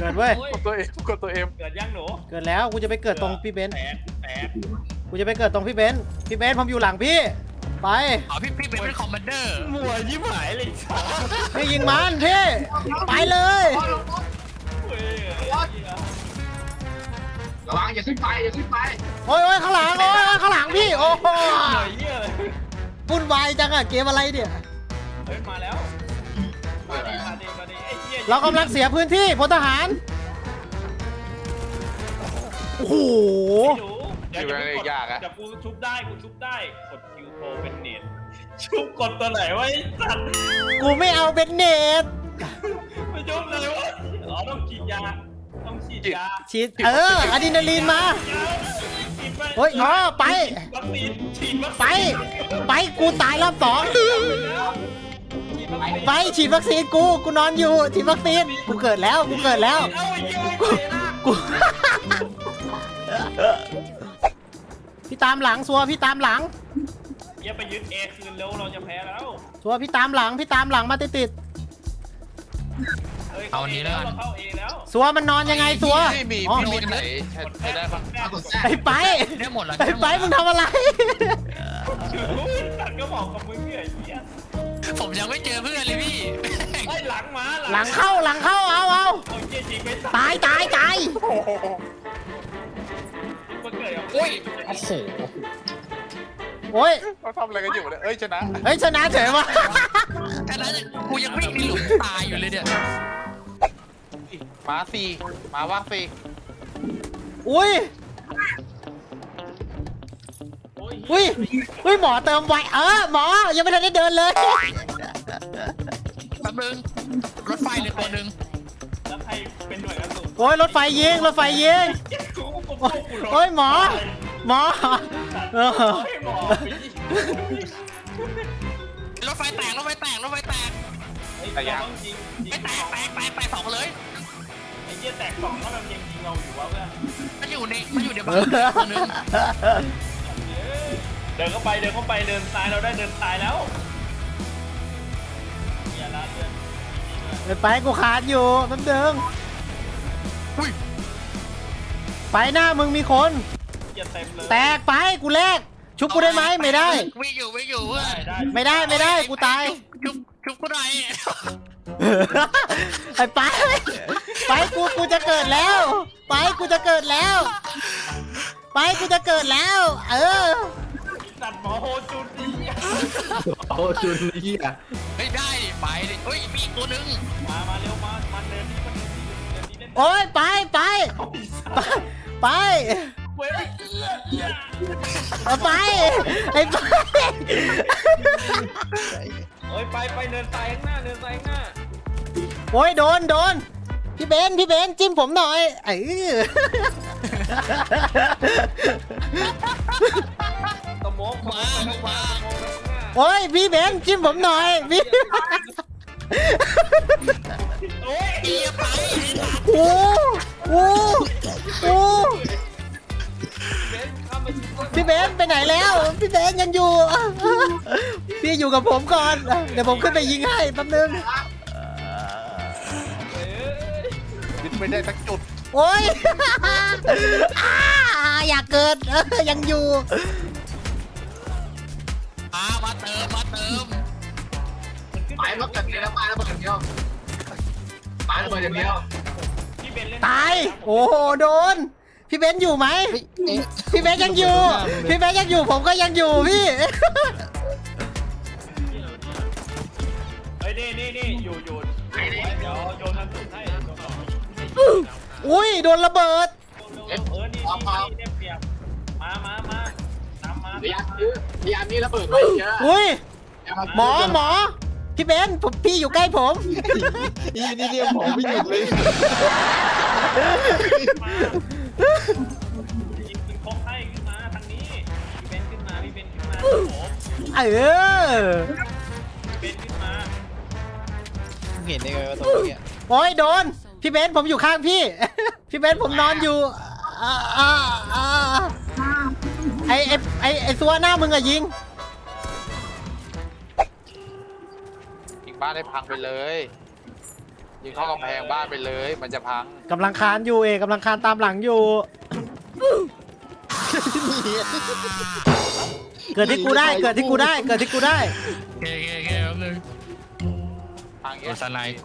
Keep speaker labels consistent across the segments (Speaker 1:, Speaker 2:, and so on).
Speaker 1: เกิดเว้ย
Speaker 2: กดตัวเอ็มกดตัวเอ็ม
Speaker 3: เกิดยังหนู
Speaker 1: เกิดแล้วกูจะไปเกิดตรงพี่เบนซ์
Speaker 3: แตก
Speaker 1: กูจะไปเกิดตรงพี่เบนซ์ผมอยู่หลังพี่ไป
Speaker 4: อ๋อพี่เป็นคอมมานเดอร์
Speaker 3: มัวยิ้มหายเลยสอง
Speaker 1: พี่ยิงมันพี่ไปเลย
Speaker 3: เฮ้ย
Speaker 5: ระวังอย่าขึ้นไปอย่าขึ้นไป
Speaker 1: โอ้ยข้างหลังโอ้ยข้างหลังพี่โอ้โห
Speaker 3: เหนื่อยเยี่ยเลย
Speaker 1: วุ่นวายจังอะเกมอะไรเนี่ย
Speaker 3: เฮ้ยมาแล้วมาดิไอ้เหี้ย
Speaker 1: เรากำลังเสียพื้นที่พลทหารโอ้โห
Speaker 3: หนูเดี๋ยวกูชุบได้กดคิวโทรเป็นเน็ตชุบกดตัวไหนวะไอ้สัตว์
Speaker 1: กูไม่เอาเบนเนต
Speaker 3: ไม่ชุบเลยวะอ๋อต้องฉีดยา
Speaker 1: ฉีดอะดรีนาลีนมาเฮ้ยอ๋อไป
Speaker 3: วัคซีนฉีดวัค
Speaker 1: ไป
Speaker 3: ซีน
Speaker 1: ไปกูตายรอบสองไปฉีดวัคซีนกูนอนอยู่ฉีดวัคซีนกูเกิดแล้ว
Speaker 3: เอ้าไอ้เหี้ย
Speaker 1: กู พี่ตามหลังซัวพี่ตามหลัง
Speaker 3: อย่าไปยึดเอคืนเร็วเราจะแพ้แล้ว
Speaker 1: ซัวพี่ตามหลังมาติด
Speaker 4: เอาอันนี้แล้วกัน
Speaker 3: เราเข้าเอแล้ว
Speaker 1: ซัวมันนอนยังไงซัว
Speaker 2: ไม่มี
Speaker 1: อ๋อ
Speaker 2: พี่ไหนใช้ได้ปะ
Speaker 1: ไป
Speaker 4: ได้หมดแล้ว
Speaker 1: ไปมึงทำอะไร
Speaker 3: ตัดก็บอกกับมึงเนี่ยไอ้เหี้ย
Speaker 4: ผมยังไม่เจอเพื่อนเลยพี่
Speaker 3: ไอ้หลังมา
Speaker 1: หลังเข้าเอา
Speaker 3: โอ้ยจริงไม่
Speaker 1: ตาย
Speaker 3: มันเกิดอะไร
Speaker 4: โอ้ยโอ้โห
Speaker 1: โอ้ย
Speaker 2: เขาทำอะไรกันอยู่เนี่ยเอ้ยชนะ
Speaker 1: เฮ้ยชนะเฉยวะ
Speaker 4: แค่นั้นกูยังวิ่งในหลุมตายอยู่เลยเนี่ย
Speaker 2: มาสี่มาว่างสี่
Speaker 1: อุ้ยหมอเติมไวหมอยังไม่ทันได้เดินเลย
Speaker 4: แป๊บนึงรถไฟเลยตัวหนึ่ง
Speaker 3: แล้วใครเป็นหน่วยกระสุน
Speaker 1: โอ้ยรถไฟยิงโอ้ยหมอเออ
Speaker 3: หมอ
Speaker 4: รถไฟแตก
Speaker 3: ไอ้ยังจริง
Speaker 4: ไม่แตกสองเลย
Speaker 3: ไอ้เหี้ยแตกสองแล้วมันยังยิงเราอยู่วะเพื่อน
Speaker 4: มันอยู่ในบ้านตัวหนึ่ง
Speaker 3: เดินเข้าไปเดินซ้ายเราได้เดินซ้ายแล้วอย่าละเดิน
Speaker 1: ไปกูขาดอยู่แป๊บนึง
Speaker 4: อุ้ย
Speaker 1: ไปหน้ามึงมีคน
Speaker 3: อย่าเต็มเลย
Speaker 1: แตกไปกูแลกชุบกูได้ไหมไม่ได้
Speaker 4: วิ่งอยู่เพื่อน
Speaker 1: ไม่ได้กูตาย
Speaker 4: ชุบกูหน่อย
Speaker 1: ไปกูจะเกิดแล้วไปกูจะเกิดแล้ว เออ
Speaker 3: ตัดหมอโฮจุนดี
Speaker 5: โอ้จุนเหี้ย
Speaker 4: ไม่ได้ไปดิเฮ้ยมีตัวหนึ่ง
Speaker 3: มาเร็วมาเดินนี่เล่น
Speaker 1: โอ้ยไป
Speaker 3: เว้ย
Speaker 1: ไปไอ้ไป
Speaker 3: เฮ้ยไปเดินซ้ายข้างหน้า
Speaker 1: โอ้ยโดนพี่เบนจิ้มผมหน่อย
Speaker 3: ตะโมก
Speaker 4: มา
Speaker 1: โอ้ยพี่เบนจิ้มผมหน่อยพี่
Speaker 3: โอ้ย
Speaker 4: เอียไป
Speaker 1: โอ้
Speaker 3: เบนข้ามมาชิด
Speaker 1: พี่เบนไปไหนแล้วพี่เบนยังอยู่พี่อยู่กับผมก่อนเดี๋ยวผมขึ้นไปยิงให้แป๊บนึง
Speaker 2: ยึดไม่ได้สักจุด
Speaker 1: โอ้ยอยากเกิดยังอยู่
Speaker 4: มาเติม
Speaker 5: ไปมาเกิดเดียวไปแล้วมาเกิดเดียวไปแล้วมาอย่างเดียว
Speaker 3: พี่เบนเล่น
Speaker 1: ตายโอ้โหโดนพี่เบนอยู่ไหมพี่เบนยังอยู่ผมก็ยังอยู่พี่
Speaker 3: เฮ้ยนี่อยู่เดี๋ยวโยนมันสุดให้
Speaker 1: อุ้ยโดนระเบิด
Speaker 3: นี่ได้เปรียบมาตามมา
Speaker 5: พยายามนี้ระเบิดไปเยอะ
Speaker 1: อุ้ยหมอพี่เบนพี่อยู่ใกล้ผม
Speaker 2: นี่เรียกผมไม่หยุดเลย
Speaker 3: ยิงคกให้ขึ้นมาทางนี้พี่เบนขึ้นมาโอ้ เบนขึ้นมา
Speaker 2: เห็นได้ไงว่าตรงนี้
Speaker 1: โอ้ยโดนพี่เบนผมอยู่ข้างพี่ พี่เบนผมนอนอยู่ไอ้ตัวหน้ามึงอะยิง
Speaker 2: อีกบ้านได้พังไปเลยยิงเข้ากำแพงบ้านไปเลยมันจะพัง
Speaker 1: กำลังคานอยู่เอกกำลังคานตามหลังอยู่ เกิดที่กูได้เกิดที่กูได้เกิดที่กูได้
Speaker 4: แค่แป๊บนึง
Speaker 2: พัง
Speaker 4: โด
Speaker 2: เงี้ย
Speaker 4: นสไลด์กู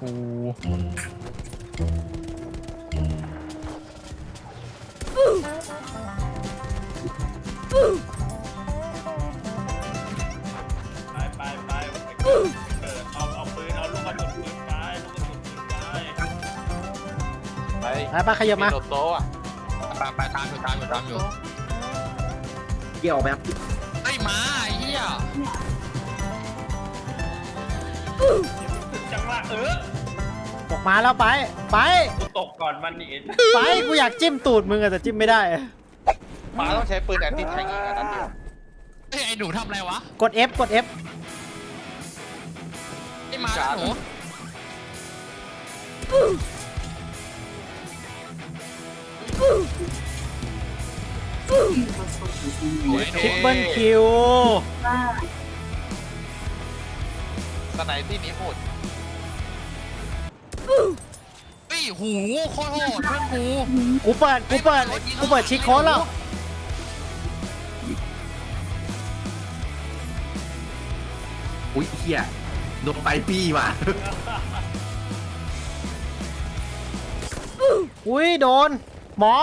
Speaker 3: ไปเกิดเอาปืนเอาลูกกระสุนปืนไปลูกกระสุนปืนไป
Speaker 2: ไป
Speaker 1: ไปขยับมา
Speaker 2: โดดโต๊ะอะ
Speaker 4: ไปตามอยู่
Speaker 6: เกี่ยวแบบ
Speaker 4: ไอ้หมาไอ้เหี้ย
Speaker 3: จังหวะ
Speaker 1: ตกมาแล้วไปไป
Speaker 3: กูตกก่อนมันอีก
Speaker 1: ไปกูอยากจิ้มตูดมึงอะแต่จิ้มไม่ได้
Speaker 2: หมาต้องใช้ปืนแอนตี้แทงอีกอันนั้นเดียว
Speaker 4: เฮ้ยไอ้หนูทำอะไรวะ
Speaker 1: กด F กด F
Speaker 4: ไอ้หมาไอ้หนู
Speaker 1: ทริปเปิลคิว
Speaker 2: สไนที่นี้หมด
Speaker 4: เฮ้ยหูโคตรโหดเพื่อนกู
Speaker 1: กูเปิดชิคโค้ดแล้ว
Speaker 6: อุ้ยเฮียโดนไปปี้ว่ะ
Speaker 1: อุ้ยโดน หมอ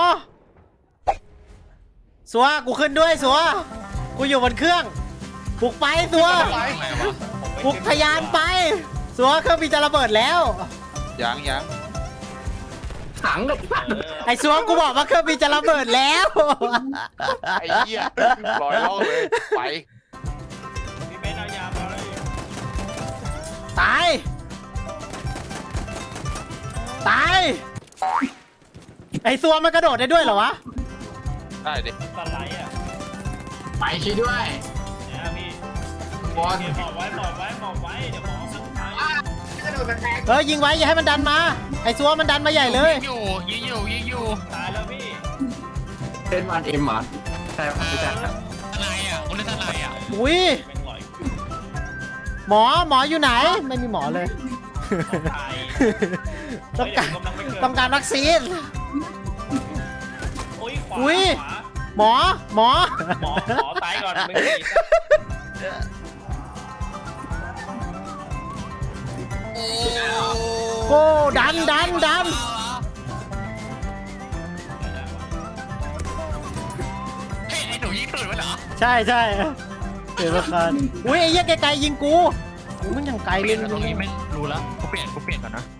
Speaker 1: สัวกูขึ้นด้วยสัวกูอยู่บนเครื่องปลุกไปสัว
Speaker 4: ทำไมวะ
Speaker 1: ปลุกทะยานไปสัวเครื่องบินจะระเบิดแล้ว
Speaker 2: ยัง
Speaker 6: ถังกับ
Speaker 1: ไอ้สัวกูบอกว่าเครื่องบินจะระเบิดแล้ว
Speaker 2: ไอ้เหี้ยลอยล่องเลยไป
Speaker 3: พี่เบนเอายามาเลย
Speaker 1: ตายตายไอ้สัวมันกระโดดได้ด้วยเหรอวะ
Speaker 2: ได้ดิ
Speaker 3: สไลด์อ่ะ
Speaker 5: ไปช่วยด้วย
Speaker 3: เนี่ยพี่
Speaker 5: บอล
Speaker 3: หมอบไว้เดี๋ยวหมอมันไป
Speaker 5: กระโดดกระแทก
Speaker 1: เฮ้ยยิงไว้อย่าให้มันดันมาไอ้สัวมันดันมาใหญ่เลย
Speaker 4: ยิงอยู่
Speaker 3: ตายแล้วพี่
Speaker 6: เป็นวันเอ็มเหรอใช่ไม่ใช่ครับ
Speaker 4: ทนายอ่ะคนเล่นทนายอ่ะ
Speaker 1: อุ้ย
Speaker 3: เป็นหลอย
Speaker 1: หมออยู่ไหนไม่มีหมอเลย
Speaker 3: ตาย
Speaker 1: ต้องการต้องการวัคซีน
Speaker 3: โอ้ยขวา
Speaker 1: อุ๊ย
Speaker 3: ขวา
Speaker 1: หมอ
Speaker 3: หมอตายก่อนมึง
Speaker 1: โก้ดัน
Speaker 4: เฮ้ยไอ้หนูยิงตื่นวะเหรอ
Speaker 1: ใช่เกิดราคาอุ้ยไอ้เหี้ยไกลๆยิงกูมันยังไกล
Speaker 4: เป
Speaker 1: เล
Speaker 4: ลี่ย
Speaker 1: ย
Speaker 4: นตรงนี้ไม่รู้แล้วกูเปลี่ยนก่อนนะ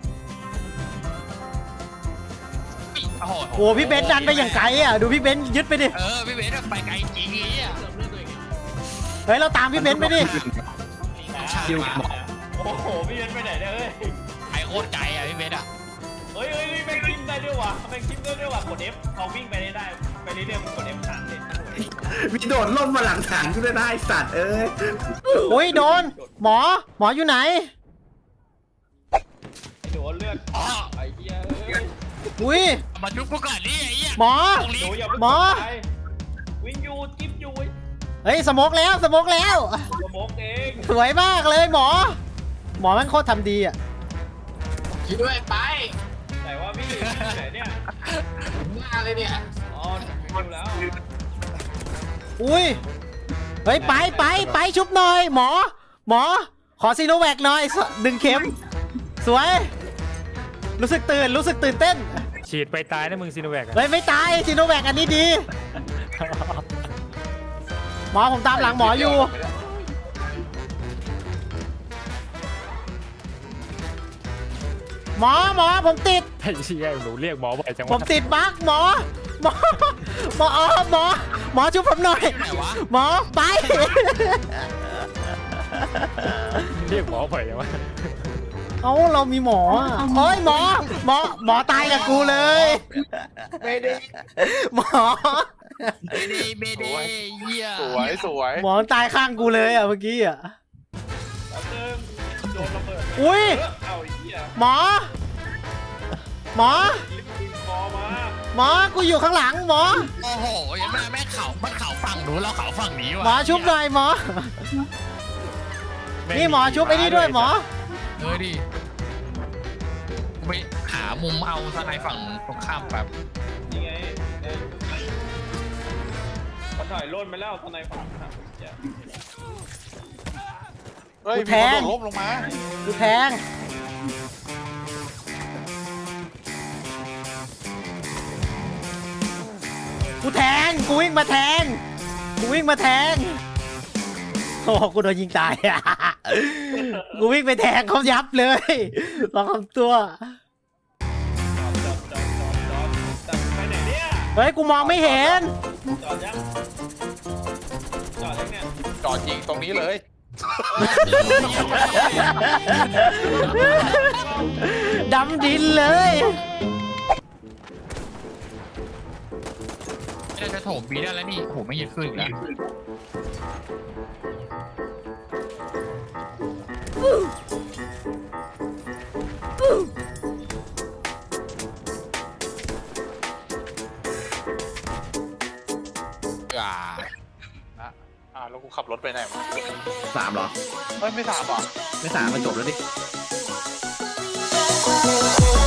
Speaker 4: โอ้โห
Speaker 1: โอ้พี่เบนซ์ดันไปอย่างไกลอ่ะดูพี่เบนซ์ยึดไปดิ
Speaker 4: พี่เบสไปไกลจริงไอ่ะ
Speaker 1: เฮ้ยเราตามพี่เบนซ์ไปดิ
Speaker 6: คิวหมอ
Speaker 3: โอ้โหพี่เบนไปไหนเนี่ยเอ้ย
Speaker 4: ไอโคตรไกลอ่ะพี่เบสอ่ะ
Speaker 3: เฮ้ยแม่งกิ้งได้ด้วยวะแม่งกิ้งได้ด้วยวะกด F พอวิ่งไปได้ไปเรื่อยๆมึงกด F ค้างเลย
Speaker 6: มีโดดล่มมาหลังถังกูด้วยนะไอ้สัตว์เอ้ย
Speaker 1: อุ้ยโดนหมออยู่ไหน
Speaker 3: โดนเลือด
Speaker 4: อ๋อ
Speaker 3: ไอ้เหี้ยเอ้ย
Speaker 1: อุ้ย
Speaker 4: มาจุ๊บกูก่อนนี่ไอ้เหี้ย
Speaker 1: หมอ
Speaker 4: ตรงนี้
Speaker 3: หนูอย่าเพิ่ง
Speaker 1: หมอ
Speaker 3: ตายวิ่งอยู่จิ๊บอยู่
Speaker 1: เฮ้ยสโมกแล้ว
Speaker 3: กระโมกเอง
Speaker 1: สวยมากเลยหมอแม่งโคตรทำดีอ่ะ
Speaker 5: ช่วยด้วยไป
Speaker 3: แต่ว่าพี่ไหนเนี่ย
Speaker 5: หน้าเลยเนี่ย
Speaker 3: อ๋อดูแล้ว
Speaker 1: อุ้ยเฮ้ยไปชุบหน่อยหมอขอซีโนแวคหน่อยดึงเข็มสวยรู้สึกตื่นเต้น
Speaker 7: ฉีดไปตายนะมึงซีโนแวคอะ
Speaker 1: เฮ้ยไม่ตายซีโนแวคอันนี้ดี หมอผมตามหลังหมออยู่ หมอผมติด
Speaker 7: ไอ้เชี่ยหนูเรียกหมอบ่อยจัง
Speaker 1: ผม
Speaker 7: วะ
Speaker 1: ติดบั๊กหมอช่วยผมหน่อย
Speaker 4: ไหนวะ
Speaker 1: หมอไป
Speaker 7: เรียกหมอบ่อยจังวะ
Speaker 1: เอ้าเรามีหมออ่ะโอ้ยหมอตายกับกูเลย
Speaker 2: ไม่ได้
Speaker 1: หมอ
Speaker 4: เบเดเหี้ย
Speaker 2: สวย
Speaker 1: หมอตายข้างกูเลยอ่ะเมื่อกี้อ่ะ
Speaker 3: แล้วเติมโดนระเบิด
Speaker 1: อุ้ย
Speaker 3: เอาไอ้เหี้ย
Speaker 1: หมอ
Speaker 3: ลิฟต์ยิงคอมา
Speaker 1: หมอกูอยู่ข้างหลังหมอ
Speaker 4: โอ้โหยังแม่เขามันเขาฝั่งหนูเราเขาฝั่งนี้วะ
Speaker 1: หมอชุบหน่อยหมอ นี่หมอชุบไอ้นี่ด้วยหมอ
Speaker 4: ดิไปหามุมเอาทนายฝั่งตรงข้ามแบบ
Speaker 3: นี่ไงเขาถอยร่นไปแล้วทนายฝั่งครับ
Speaker 2: เฮ้ย
Speaker 1: กู
Speaker 2: มี
Speaker 1: แท
Speaker 2: คน
Speaker 1: ง
Speaker 2: โดดล้มลงมา
Speaker 1: กูแทงกูแทงกูวิ่งมาแทงกูวิ่งมาแทงโอ้โหกูโดนยิงตาย กูวิ่งไปแทงเขายับเลยลองทำตัว
Speaker 3: จอดไปไหนเนี่ย
Speaker 1: เฮ้ยกูมองไม่เห็น
Speaker 3: จอดยังเนี่ย
Speaker 2: จอดยิงตรงนี้เลย
Speaker 1: ดำดินเลย
Speaker 4: จะโถมบีได้แล้วนี่โหไม่ยึดขึ้นอีกแล้ว
Speaker 2: แล้วกูขับรถไปไหนมา
Speaker 6: 3เหรอ
Speaker 2: เฮ้ยไม่ถามอ่ะ
Speaker 6: ไม่3มันจบแล้วดิ
Speaker 8: Thank you.